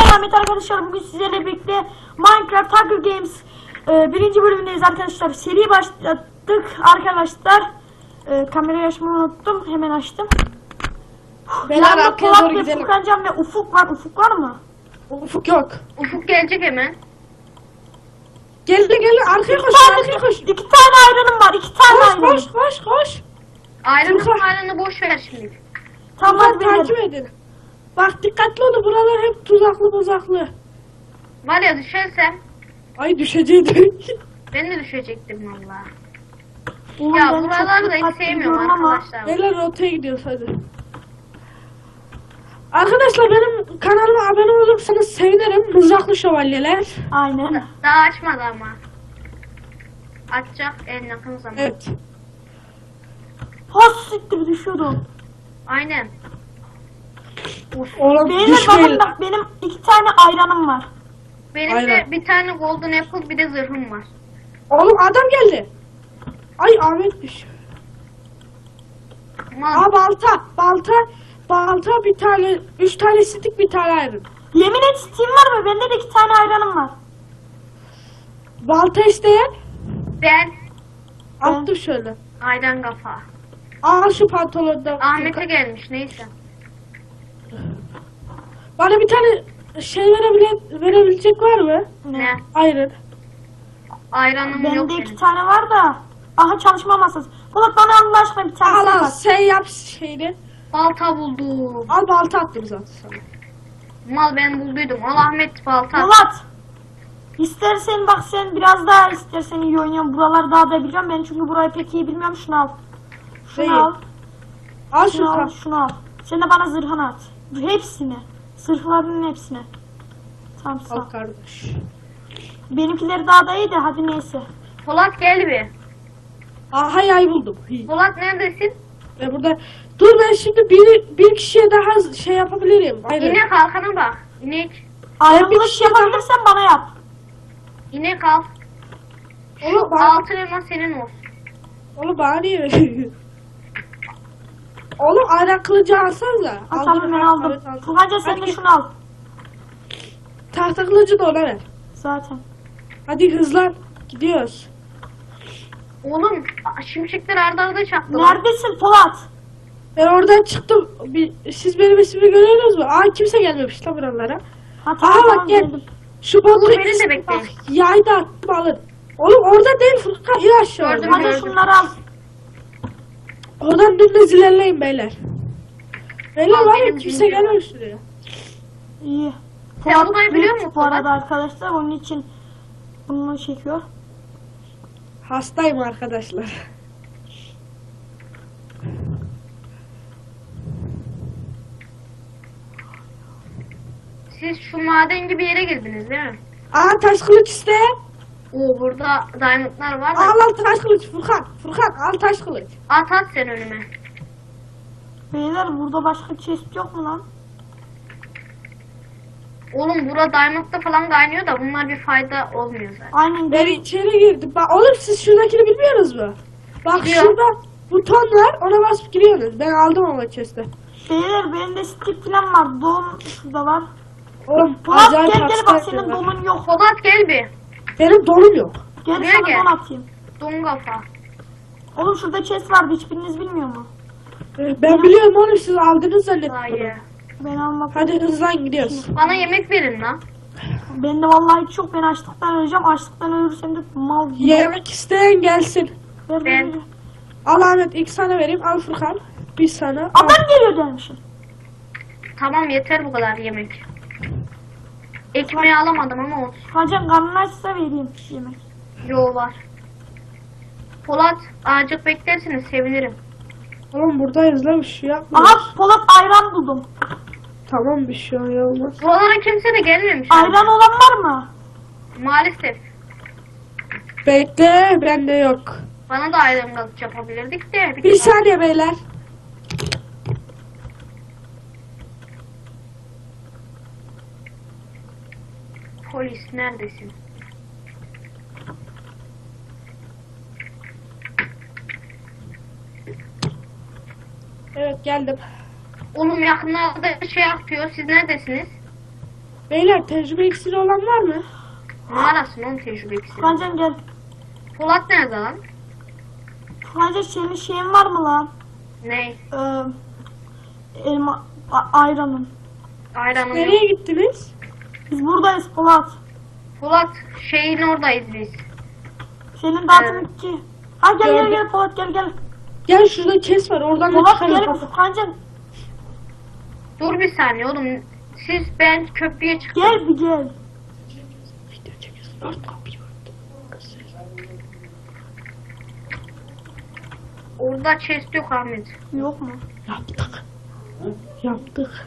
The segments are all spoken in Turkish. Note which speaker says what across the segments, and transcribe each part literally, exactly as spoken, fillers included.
Speaker 1: Ahmet arkadaşlar, bugün sizlerle birlikte Minecraft Hunger Games e, birinci bölümündeyiz arkadaşlar. Seri başlattık arkadaşlar. E, kamerayı açmayı unuttum, hemen açtım.
Speaker 2: Beyler arkaya doğru
Speaker 1: ve
Speaker 2: gidelim.
Speaker 1: Furkancan ve Ufuk var. Ufuk var mı?
Speaker 2: Ufuk yok.
Speaker 3: Ufuk gelecek hemen.
Speaker 2: Geldi geldi arkaya koş
Speaker 1: Tane,
Speaker 2: arkaya koş.
Speaker 1: iki tane ayranım var. iki tane
Speaker 2: Koş
Speaker 1: ayranım.
Speaker 2: koş koş koş.
Speaker 3: Ayranın
Speaker 2: Furkan.
Speaker 3: ayranı boş ver şimdi.
Speaker 1: Tamam
Speaker 2: Furkan
Speaker 1: beyler.
Speaker 2: takip edin. Bak dikkatli olun, buralar hep tuzaklı buzaklı.
Speaker 3: Var ya düşersem
Speaker 2: Ay düşecekti.
Speaker 3: ben de düşecektim valla.
Speaker 1: Oğlum,
Speaker 3: Ya
Speaker 1: ben çok
Speaker 3: buraları da hiç
Speaker 1: dikkatli
Speaker 3: sevmiyorum
Speaker 1: gidiyorum ama
Speaker 3: arkadaşlar.
Speaker 2: Beyler rotaya gidiyoruz hadi. Arkadaşlar benim kanalıma abone olursanız sevinirim. Mızraklı şövalyeler.
Speaker 1: Aynen.
Speaker 3: Daha açmadı ama. Açacak en yakın zamanda.
Speaker 2: Evet.
Speaker 1: Has siktir düşüyordum.
Speaker 3: Aynen.
Speaker 2: Oğlum
Speaker 1: Beyler
Speaker 2: düşmeyin.
Speaker 1: bakın bak, benim iki tane ayranım var.
Speaker 3: Benim
Speaker 2: Aynen.
Speaker 3: de bir tane golden apple bir de zırhım var.
Speaker 2: Oğlum adam geldi. Ay Ahmet düş.
Speaker 3: Mal.
Speaker 2: Aa balta balta. Balta bir tane. Üç tane stick bir tane ayrı.
Speaker 1: Yemin et, Steam var mı? Bende de iki tane ayranım var.
Speaker 2: Balta isteyen.
Speaker 3: Ben
Speaker 2: Attım şöyle.
Speaker 3: ayran kafa.
Speaker 2: Al şu pantolondan.
Speaker 3: Ahmet'e gelmiş neyse.
Speaker 2: Bana bir tane şey verebilen, verebilecek var mı?
Speaker 3: Ne?
Speaker 2: Ayran.
Speaker 3: Ayranım yok
Speaker 1: Bende iki
Speaker 3: benim.
Speaker 1: tane var da. Aha, çalışma masası. Polat, bana Allah aşkına bir tane
Speaker 2: Al al
Speaker 1: var.
Speaker 2: sen yap şeyini.
Speaker 3: Balta buldum.
Speaker 2: Al balta attım zaten sana.
Speaker 3: Mal ben bulduydum. Al Ahmet balta.
Speaker 1: Polat. İstersen bak, sen biraz daha istersen iyi oynuyorsun. Buraları daha da biliyorum. Ben çünkü burayı pek iyi bilmiyorum. Şunu al. Şunu
Speaker 2: Değil.
Speaker 1: al.
Speaker 2: Al şu
Speaker 1: Şunu al.
Speaker 2: kan.
Speaker 1: Şunu al. Sen de bana zırhını at. Hepsini. Zırhlarının hepsini. Tamam, sağ ol.
Speaker 2: Al kardeş.
Speaker 1: Benimkileri daha da iyi de hadi neyse.
Speaker 3: Polat gel bir.
Speaker 2: Aha yay buldum. İyi.
Speaker 3: Polat neredesin?
Speaker 2: Ve burada dur ben şimdi bir, bir kişiye daha şey yapabilirim. Aynen.
Speaker 3: İnek kalkana bak. İnek.
Speaker 1: Ayrı
Speaker 2: bir
Speaker 1: bir
Speaker 2: kişi
Speaker 1: şey yapabilirsen bana yap.
Speaker 3: İnek al.
Speaker 2: Oğlum bana,
Speaker 3: Altın elma senin olsun.
Speaker 2: oğlum bana niye veriyorsun? Oğlum ayran kılıcı alsanıza.
Speaker 1: Ha, tamam, ben aldım. Furkanca sen de
Speaker 2: Hadi.
Speaker 1: şunu al.
Speaker 2: Tahta kılıcı da ona ver.
Speaker 1: Zaten.
Speaker 2: Hadi hızlan. Gidiyoruz.
Speaker 3: Oğlum şimşekler arda arda çaktılar.
Speaker 1: Neredesin Polat?
Speaker 2: Ben oradan çıktım. Bir, siz benim ismimi görüyorsunuz mu? Aa kimse gelmemiş lan buralara.
Speaker 1: Ha,
Speaker 2: Aa
Speaker 1: tamam,
Speaker 2: bak
Speaker 1: tamam,
Speaker 2: gel.
Speaker 1: geldim.
Speaker 2: Şu botu
Speaker 3: Dur, beni de
Speaker 2: ismi
Speaker 3: bekleyin.
Speaker 2: bak. Yay da attım alın. Oğlum orada değil Furkan. İn aşağı.
Speaker 3: Gördüm.
Speaker 1: Hadi şunları al.
Speaker 2: Oradan dümdüz ilerleyin beyler. Beyler
Speaker 3: Al,
Speaker 2: var ya
Speaker 3: benim
Speaker 2: kimse
Speaker 3: bilmiyorum.
Speaker 2: gelmemiş şuraya.
Speaker 1: İyi.
Speaker 3: Sen
Speaker 1: Polat
Speaker 3: burayı biliyor
Speaker 1: büyük
Speaker 3: musun
Speaker 1: bu arada
Speaker 3: Polat?
Speaker 1: arkadaşlar, onun için bunu çekiyor.
Speaker 2: Hastayım arkadaşlar.
Speaker 3: Siz şu maden gibi yere girdiniz değil mi?
Speaker 2: Aa taş kılıç iste.
Speaker 3: Oo burada diamondlar var da.
Speaker 2: Al al taş kılıç Furkan. Furkan al taş kılıç.
Speaker 3: At at sen önüme.
Speaker 1: Beyler, burada başka chest yok mu lan?
Speaker 3: Oğlum bura diamondda falan kaynıyor da bunlar bir fayda olmuyor zaten.
Speaker 1: Aynen,
Speaker 2: Ben
Speaker 1: gelin.
Speaker 2: içeri girdim. Bak oğlum siz şuradakini bilmiyorsunuz mu? Bak
Speaker 3: Biliyorum.
Speaker 2: şurada buton var ona basıp giriyorsunuz. Ben aldım ama chest'e.
Speaker 1: Beyler, benim de stick falan var. Don şurada var.
Speaker 2: Oğlum
Speaker 1: Polat
Speaker 2: acayip
Speaker 1: gel gel, bak
Speaker 2: hastayım
Speaker 1: senin
Speaker 2: ben.
Speaker 1: donun yok.
Speaker 3: Polat gel bir.
Speaker 2: Benim donum yok.
Speaker 1: Gel
Speaker 3: Buraya
Speaker 1: sana
Speaker 3: gel.
Speaker 1: don atayım.
Speaker 3: Don kafa.
Speaker 1: Oğlum şurada chest vardı, hiçbiriniz bilmiyor mu?
Speaker 2: Ee, Ben biliyorum oğlum siz aldınız zannettim.
Speaker 3: Hayır.
Speaker 1: Ben almadım.
Speaker 2: Hadi hızlan gidiyoruz.
Speaker 3: Bana yemek verin lan.
Speaker 1: Ben de vallahi hiç yok, ben açlıktan öleceğim. Açlıktan ölürsem de mal gibi.
Speaker 2: Yemek isteyen gelsin.
Speaker 1: Ver,
Speaker 3: Ben-
Speaker 1: ver, ver.
Speaker 2: Al Ahmet ilk sana vereyim. Al Furkan. Bir sana. Al.
Speaker 1: Adam geliyor dermişim.
Speaker 3: Tamam yeter bu kadar yemek. Ekmeği alamadım ama olsun.
Speaker 1: Hacan karnın açsa vereyim yemek.
Speaker 3: Yo var. Polat azıcık beklerseniz sevinirim.
Speaker 2: Oğlum buradayız lan bir şey yapmıyoruz.
Speaker 1: Aha, Polat ayran buldum.
Speaker 2: Tamam bir şey olmaz.
Speaker 3: Buralara kimse de gelmemiş.
Speaker 1: Ayran olan var mı?
Speaker 3: Maalesef.
Speaker 2: Bekle bende yok.
Speaker 3: Bana da ayran kalıcı yapabilirdik de.
Speaker 2: Bir saniye beyler.
Speaker 3: Polis neredesin?
Speaker 2: Evet geldim.
Speaker 3: Oğlum yakınlarda şey yapıyor. Siz neredesiniz?
Speaker 2: Beyler tecrübe iksiri olan var mı?
Speaker 3: Numarasın onun tecrübe ikisi.
Speaker 1: Furkancan gel.
Speaker 3: Polat nerede lan?
Speaker 1: Furkancan senin şeyin var mı lan?
Speaker 3: Ne?
Speaker 1: Ee, elma, a- ayranın.
Speaker 3: Ayranım yok.
Speaker 2: Nereye gittiniz?
Speaker 1: Biz buradayız Polat.
Speaker 3: Polat şeyin oradayız biz.
Speaker 1: Senin dağıtım
Speaker 3: Evet.
Speaker 1: iki. Ha gel gel
Speaker 2: Gördüm.
Speaker 1: gel Polat gel gel.
Speaker 2: Gel şurada kes var oradan da
Speaker 1: Polat
Speaker 2: çıkarım.
Speaker 1: gel Furkancan.
Speaker 3: Dur bir saniye oğlum. Siz ben köprüye çıktım.
Speaker 1: Gel bir gel.
Speaker 2: Video çekiyorsun. Ört kapıyı ört.
Speaker 3: Orada chest yok Ahmet.
Speaker 1: Yok mu?
Speaker 2: Yaptık. Yaptık.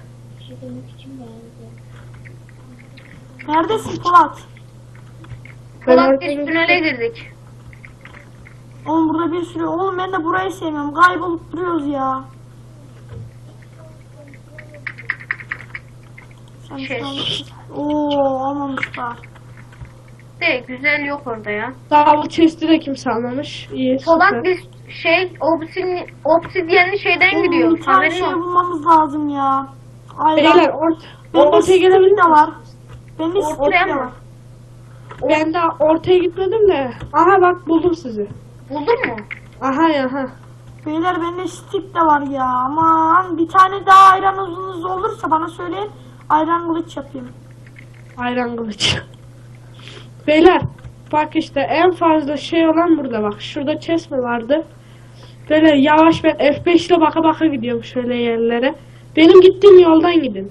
Speaker 1: Neredesin Polat?
Speaker 3: Polat biz tünele girdik.
Speaker 1: Oğlum burada bir sürü. Oğlum ben de burayı sevmiyorum. Kaybolup duruyoruz ya. Sen
Speaker 3: Şey.
Speaker 1: Oo almamışlar.
Speaker 3: De güzel yok orada ya.
Speaker 2: Daha bu chest'i de kimse almamış. İyi
Speaker 3: Polat
Speaker 2: süper.
Speaker 3: biz şey obsidyen, obsidyenli şeyden
Speaker 1: Oğlum
Speaker 3: gidiyor.
Speaker 1: bir tane
Speaker 3: Haberin
Speaker 1: şey
Speaker 3: olsun.
Speaker 1: bulmamız lazım ya. Ayran.
Speaker 2: Beyler ort
Speaker 1: Bende
Speaker 2: ortaya
Speaker 1: stick
Speaker 2: gelebilir
Speaker 1: de var.
Speaker 2: misiniz?
Speaker 1: Bende stick
Speaker 3: Ortaya
Speaker 1: de
Speaker 3: mı?
Speaker 1: var.
Speaker 2: Ben daha ortaya gitmedim de. Aha bak buldum sizi.
Speaker 3: Buldun mu?
Speaker 2: Aha ya ha.
Speaker 1: Beyler bende stick de var ya. Aman bir tane daha ayran uzunuz olursa bana söyleyin. Ayran kılıç yapayım.
Speaker 2: Ayran kılıç. Beyler bak işte en fazla şey olan burada bak. Şurada chest mi vardı? Böyle yavaş ben F beş ile baka baka gidiyorum şöyle yerlere. Benim gittiğim yoldan gidin.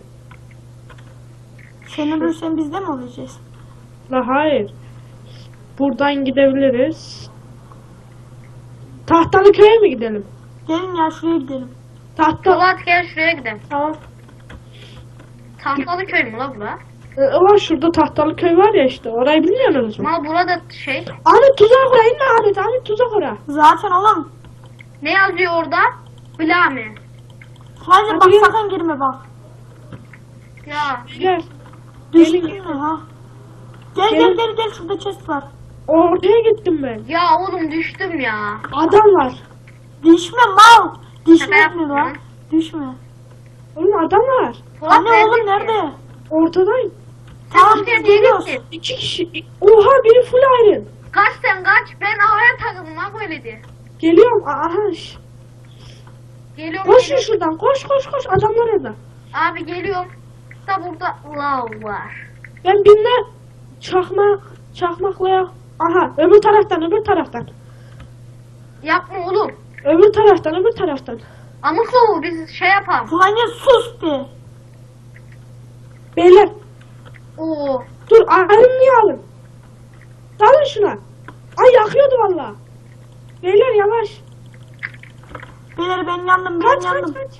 Speaker 1: Sen ölürsen biz de mi olacağız?
Speaker 2: La hayır. Buradan gidebiliriz. Tahtalı köye mi gidelim?
Speaker 1: Gelin ya şuraya gidelim.
Speaker 2: Tahta...
Speaker 3: Polat gel şuraya gidelim.
Speaker 2: Tamam.
Speaker 3: Tahtalı köy mü la bura?
Speaker 2: Ee, var şurada tahtalı köy var ya işte. Orayı bilmiyorsunuz mu?
Speaker 3: Ama burada şey.
Speaker 2: Ahmet tuzak ora inme Ahmet. Ahmet tuzak ora.
Speaker 1: Zaten oğlum.
Speaker 3: Ne yazıyor orada? Blame.
Speaker 1: Sadece bak
Speaker 2: Hadi gel.
Speaker 1: sakın girme bak.
Speaker 3: Ya
Speaker 2: Gel.
Speaker 1: Düştün
Speaker 2: Gelin.
Speaker 1: mü ha? Gel gel
Speaker 2: Gelin.
Speaker 1: gel gel şurada chest var.
Speaker 2: Ortaya gittim ben.
Speaker 3: ya oğlum düştüm ya.
Speaker 2: Adam var.
Speaker 1: Düşme mal. Düşme
Speaker 3: Şaka
Speaker 1: mi lan?
Speaker 3: yapma.
Speaker 1: Düşme.
Speaker 2: Oğlum adam var.
Speaker 3: Polat
Speaker 1: Anne oğlum
Speaker 3: neredesin?
Speaker 1: nerede?
Speaker 2: Ortadayım.
Speaker 3: Sen
Speaker 1: Tamam
Speaker 3: ortaya
Speaker 1: biz
Speaker 3: niye
Speaker 1: geliyoruz.
Speaker 3: gittin?
Speaker 2: İki kişi. Oha biri full iron.
Speaker 3: Kaç sen kaç. Ben havaya takıldım ha böyle diye.
Speaker 2: Geliyorum. Aha. şş.
Speaker 3: Geliyorum.
Speaker 2: Koş
Speaker 3: geliyorum.
Speaker 2: şuradan. Koş koş koş. Adamlar orada.
Speaker 3: Abi geliyorum. Da burada lav var.
Speaker 2: Ben binle çakmak çakmakla ya. Aha öbür taraftan öbür taraftan.
Speaker 3: Yapma oğlum.
Speaker 2: Öbür taraftan öbür taraftan.
Speaker 3: Amık lavu biz şey yapalım.
Speaker 1: Furkanca sus be.
Speaker 2: Beyler
Speaker 3: Oo.
Speaker 2: dur ayrımlıyı alın. Dalın şuna. Ay yakıyordu valla. Beyler yavaş.
Speaker 1: Beyler ben yandım ben
Speaker 2: Kaç
Speaker 1: yandım.
Speaker 2: kaç kaç.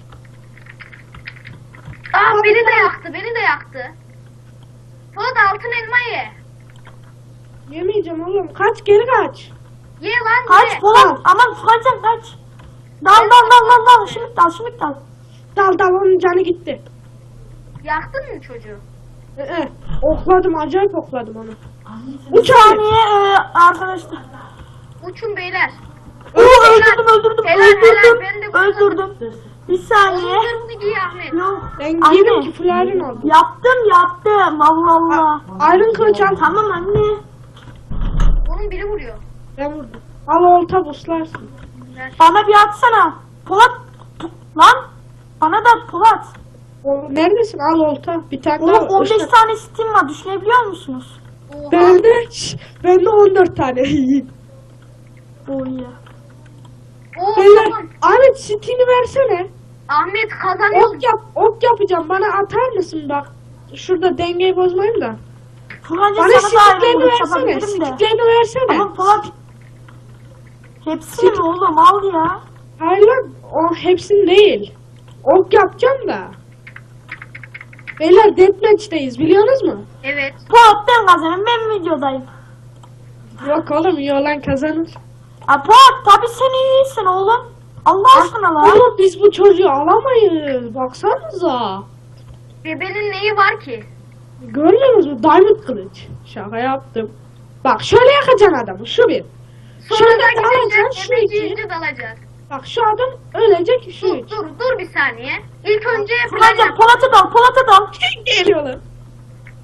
Speaker 3: Aa beni de yaktı. Beni de yaktı. Polat altın elma ye.
Speaker 2: Yemeyeceğim oğlum. Kaç geri kaç.
Speaker 3: Ye lan
Speaker 1: Kaç
Speaker 3: ye.
Speaker 1: Polat. Aman Furkanca kaç. Dal dal dal dal dal. Şimdi dal şimdi dal.
Speaker 2: Dal dal onun canı gitti.
Speaker 3: Yaktın mı çocuğu?
Speaker 2: Ee, okladım acayip okladım onu.
Speaker 1: Bir
Speaker 2: Uç abi.
Speaker 1: saniye e, arkadaşlar.
Speaker 3: Uçun beyler.
Speaker 1: Oo öldürdüm öldürdüm
Speaker 3: Helal, helal, ben de
Speaker 1: öldürdüm. Öldürdüm. Bir saniye.
Speaker 3: Onun giy Ahmet.
Speaker 1: Yok.
Speaker 2: Ben giydim
Speaker 1: Anne.
Speaker 2: ki full iron oldu.
Speaker 1: Yaptım yaptım. Allah Allah.
Speaker 2: Iron kılıç al.
Speaker 1: Tamam anne.
Speaker 3: Onun biri vuruyor.
Speaker 2: Ben vurdum. Al olta buslarsın.
Speaker 3: Ver.
Speaker 1: Bana bir atsana. Polat. Lan. Bana da at Polat.
Speaker 2: O, neredesin? Al olta. Bir tane
Speaker 1: Oğlum
Speaker 2: daha.
Speaker 1: on beş
Speaker 2: ışık-
Speaker 1: tane Steam var. Düşünebiliyor musunuz?
Speaker 3: Oha.
Speaker 2: Bende, şş, bende on dört tane.
Speaker 1: Oo iyi.
Speaker 3: Oo
Speaker 2: Beyler,
Speaker 3: tamam.
Speaker 2: Ahmet Steam'i versene.
Speaker 3: Ahmet kazanıyor.
Speaker 2: Ok yap, ok yapacağım. Bana atar mısın bak? Şurada dengeyi bozmayayım da.
Speaker 1: Furkanca
Speaker 2: Bana
Speaker 1: sana da ayrı
Speaker 2: sticklerini
Speaker 1: vuruş
Speaker 2: versene.
Speaker 1: yapabilirim de.
Speaker 2: Sticklerini versene.
Speaker 1: Ama Polat. Hepsini mi oğlum al ya.
Speaker 2: Hayır lan, o hepsini değil. Ok yapacağım da. Beyler deathmatch'teyiz biliyorsunuz mu?
Speaker 3: Evet.
Speaker 1: Polat ben kazanırım ben videodayım.
Speaker 2: Yok oğlum iyi olan kazanır.
Speaker 1: Ha Polat tabi sen iyisin oğlum. Allah aşkına lan.
Speaker 2: Oğlum biz bu çocuğu alamayız. Baksanıza.
Speaker 3: Bebenin neyi var ki?
Speaker 2: Görmüyorsunuz mu? Diamond kılıç. Şaka yaptım. Bak şöyle yakacaksın adamı. Şu bir.
Speaker 3: Sonra
Speaker 2: Şöyle
Speaker 3: da
Speaker 2: dalacaksın.
Speaker 3: gidecek
Speaker 2: Şu
Speaker 3: hemen
Speaker 2: iki.
Speaker 3: ciğerci dalacak.
Speaker 2: Bak şu adam ölecek. Şu
Speaker 3: Dur
Speaker 2: üç.
Speaker 3: dur dur bir saniye. İlk önce plan
Speaker 1: Furkanca
Speaker 3: yap.
Speaker 1: Polat'a dal Polat'a dal.
Speaker 2: Geliyorlar.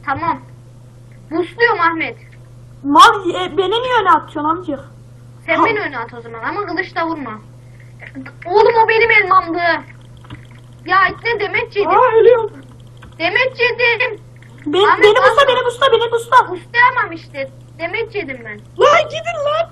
Speaker 3: Tamam. Busluyorum Ahmet.
Speaker 1: Mal e, beni niye öne atıyorsun amcık?
Speaker 3: Sen
Speaker 1: Ha.
Speaker 3: beni öne at o zaman ama kılıçla vurma. Oğlum o benim elmamdı. Ya ne demet yedim.
Speaker 2: Aa ölüyorum.
Speaker 3: Demet yedim.
Speaker 1: Ben,
Speaker 3: Ahmet,
Speaker 1: beni busta
Speaker 3: atma.
Speaker 1: beni busta beni busta.
Speaker 3: Buslayamam işte. Demet yedim ben.
Speaker 2: Lan gidin lan.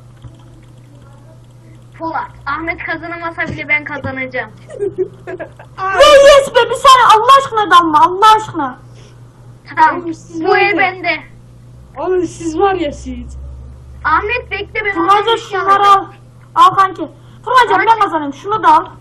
Speaker 3: Polat. Ahmet kazanamasa bile ben kazanacağım.
Speaker 2: Ay.
Speaker 1: Ve yes be bir saniye Allah aşkına dalma Allah aşkına.
Speaker 3: Tamam.
Speaker 2: Oğlum, siz
Speaker 3: Bu
Speaker 2: var
Speaker 3: el
Speaker 2: ya.
Speaker 3: bende.
Speaker 2: Oğlum siz var ya siz.
Speaker 3: Ahmet bekle ben
Speaker 1: Fırmaca
Speaker 3: oradan bir şey
Speaker 1: şunları al.
Speaker 3: alacağım.
Speaker 1: Al kanki. Fırmaca
Speaker 3: Ama-
Speaker 1: ben kazanayım şunu da al.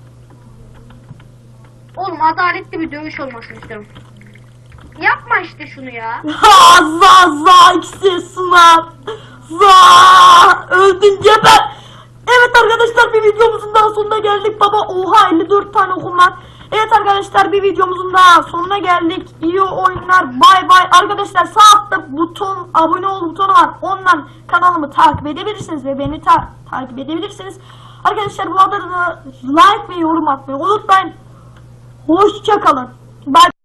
Speaker 3: Oğlum adaletli bir dövüş olmasını istiyorum. Yapma işte şunu ya.
Speaker 1: Ha za za ikisi sınav. Za öldün geber. Evet arkadaşlar bir videomuzun daha sonuna geldik. Baba oha elli dört tane okum var. Evet arkadaşlar bir videomuzun daha sonuna geldik. İyi oyunlar bay bay. Arkadaşlar sağ altta buton abone ol butonu var. Ondan kanalımı takip edebilirsiniz ve beni ta takip edebilirsiniz. Arkadaşlar bu arada da like ve yorum atmayı unutmayın. Hoşça kalın. Bye.